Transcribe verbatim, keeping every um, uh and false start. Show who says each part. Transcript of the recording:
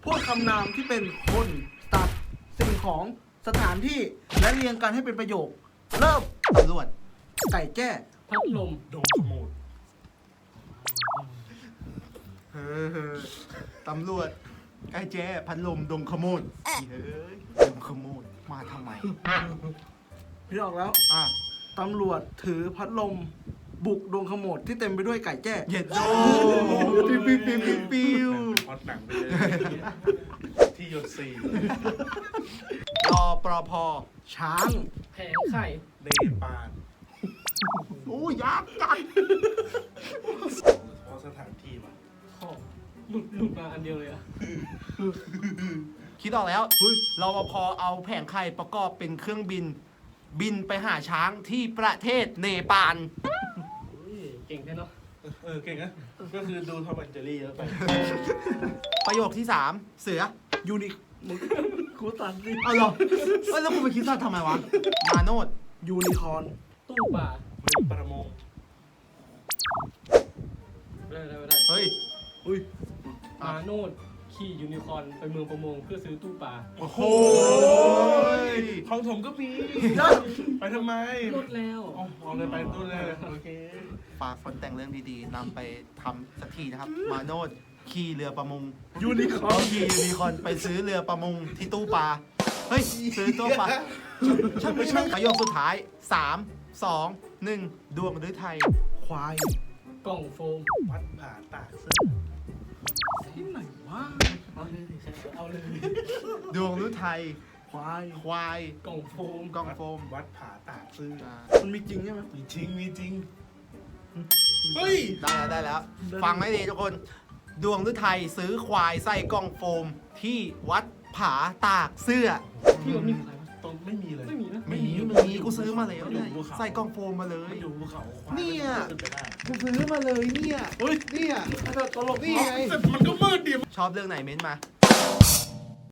Speaker 1: พูดคำนามที่เป็นคนสัตว์สิ่งของสถานที่และเรียงกันให้เป็นประโยค เริ่ม
Speaker 2: ตำรวจ
Speaker 1: ไก่แจ้
Speaker 3: พัดลม
Speaker 4: ดงขโมด
Speaker 2: เฮ้อตำรวจไอ้แจ้พัดลมดงขโมยเฮ้ยดงขโมยมาทำไม
Speaker 1: พี่ออกแล้ว
Speaker 2: อ่ะ
Speaker 1: ตำรวจถือพัดลม บุกดงขโมดที่เต็มไปด้วยไก่แจ้
Speaker 2: เย็ดโดปิ้วปิ้วปิ้วปิ้วปิ้ว
Speaker 4: พอดหนังไปเลยที่หยดสี่
Speaker 2: รอปรพ
Speaker 1: ช้าง
Speaker 3: แผงไข่
Speaker 4: เนปาล
Speaker 2: โอ้ยากจัด
Speaker 4: เพราะสถานที่มา
Speaker 3: ขอบหลุดหลุดมาอันเดียวเลยอะ
Speaker 2: คิดออกแล้วรอปภเอาแผงไข่ประกอบเป็นเครื่องบิน บินไปหาช้างที่ประเทศเนปาล
Speaker 3: อุ้ยเก่งแท้เนาะ
Speaker 4: เออเก่งนะก็คือดูทอมแอนเจอรี่เยอะไป
Speaker 2: ประโยคที่สามเสือ
Speaker 1: ยูนิคมึงกูตัดสิ
Speaker 2: เอาเหรอเอ้ยแล้วคุณไปคิดสั้นทำไมวะ มาโนด
Speaker 1: ยูนิคอร์น
Speaker 3: ตู้ป่า
Speaker 4: เมืองประมง
Speaker 3: ได้ได้ได้
Speaker 2: เฮ้ย
Speaker 1: อุ้ย
Speaker 3: มาโนดขี่ยูนิคอร์นไปเมืองประมงเพื่อซื้อตู้ป่า
Speaker 4: โอ้โห
Speaker 2: ย
Speaker 4: ของผมก็มีไปทำไม
Speaker 3: ลดแล้ว
Speaker 4: อ๋อเอาเลยไปตู้เลยโอเค
Speaker 2: ฝากคนแต่งเรื่องดีๆนำไปทำสักทีนะครับ มาโนดขี่เรือประมง
Speaker 1: ยูนิคอ
Speaker 2: เขา
Speaker 1: ร์น
Speaker 2: ขี่ยูนิคอร์นไปซื้อเรือประมงที่ตู้ปลา เฮ้ย ซื้อตู้ปลาช่างไม่ช่างประโยคสุดท้ายสามสองหนึ่งดวงฤทัย
Speaker 1: ควาย
Speaker 3: กล่องโฟม
Speaker 4: วัดผาตากเสื้อ
Speaker 1: ที่ไหนวะ
Speaker 3: เอาเลยเอาเลย
Speaker 2: ดวงฤทัย
Speaker 1: ควาย
Speaker 2: ควาย
Speaker 3: กล่องโฟม
Speaker 2: กองโฟม
Speaker 4: วัดผาตากเสื้อ
Speaker 2: อ่า
Speaker 1: มันมีจริงใช่ไหม
Speaker 4: มีจริงมีจริงเฮ้ย
Speaker 2: ได้แล้วได้แล้ว ฟังให้ดีทุกคน ดวงฤทัยซื้อควายใส่กล่องโฟมที่วัดผาตากเสื้อ
Speaker 3: ที่เรามีขายปะ
Speaker 4: ตรงไม่มีเลย
Speaker 3: ไม่มีนะ
Speaker 2: ไม่มีไม่มีกูซื้อมาแล้วเนี่ยใส่กล่องโฟมมาเลย
Speaker 4: มันอยู่ภูเขาควา
Speaker 2: เนี่ย
Speaker 4: ขึ้นไปได้
Speaker 2: กูซื้อมาเลยเนี่ย
Speaker 4: เฮ้ย
Speaker 2: เนี่ย
Speaker 1: ตลก
Speaker 2: นี่ไง
Speaker 4: แต่มันก็มืดดิ
Speaker 2: ชอบเรื่องไหนเม้นต์มา